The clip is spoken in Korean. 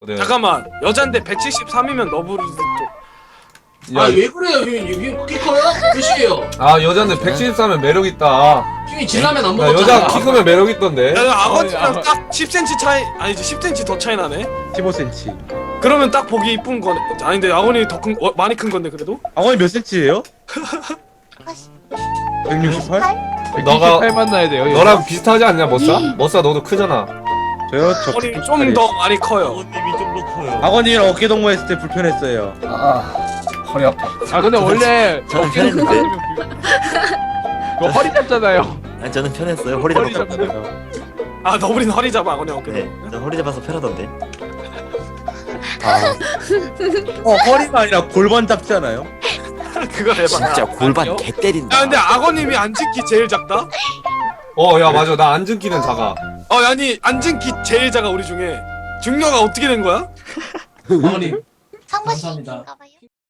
네. 잠깐만, 여잔데 173이면 너브리즈 또. 야, 왜 그래요? 형님 키 커요? 몇이에요? 아 여자인데 173면 매력 있다. 형이 진라면 안 나 먹었잖아. 여자 키 크면 매력 있던데. 야, 아버지랑 딱 10cm 차이, 아니지 10cm 더 차이 나네. 15cm. 그러면 딱 보기 이쁜 거네. 아닌데 아버님 더 큰, 많이 큰 건데 그래도? 아버님 몇 cm예요? 168? 너가 178 만나야 돼요. 너랑 비슷하지 않냐 머싸? 머싸 너도 크잖아. 저요? 저 아버님 168이에요. 좀 더 많이 커요. 어님이 좀 더 커요. 아버님이랑 어깨 동무했을 때 불편했어요. 허리 아파. 아 근데 원래 저는 어깨를 편했는데. 그 허리 잡잖아요. 아니 저는 편했어요. 허리 허리 잡아서. 잡잖아요. 아 너브리는 허리 잡아 아버님 어깨. 네, 저 허리 잡아서 편하던데. 허리가 아니라 골반 잡잖아요. 그거 해봐. 진짜 골반 아니요? 개 때린다. 야 근데 악어님이 앉은 키 제일 작다? 야 맞아 나 앉은 키는 작아. 아니 앉은 키 제일 작아 우리 중에. 중녀가 어떻게 된 거야? 어머님 상부씨 감사합니다. 가봐요.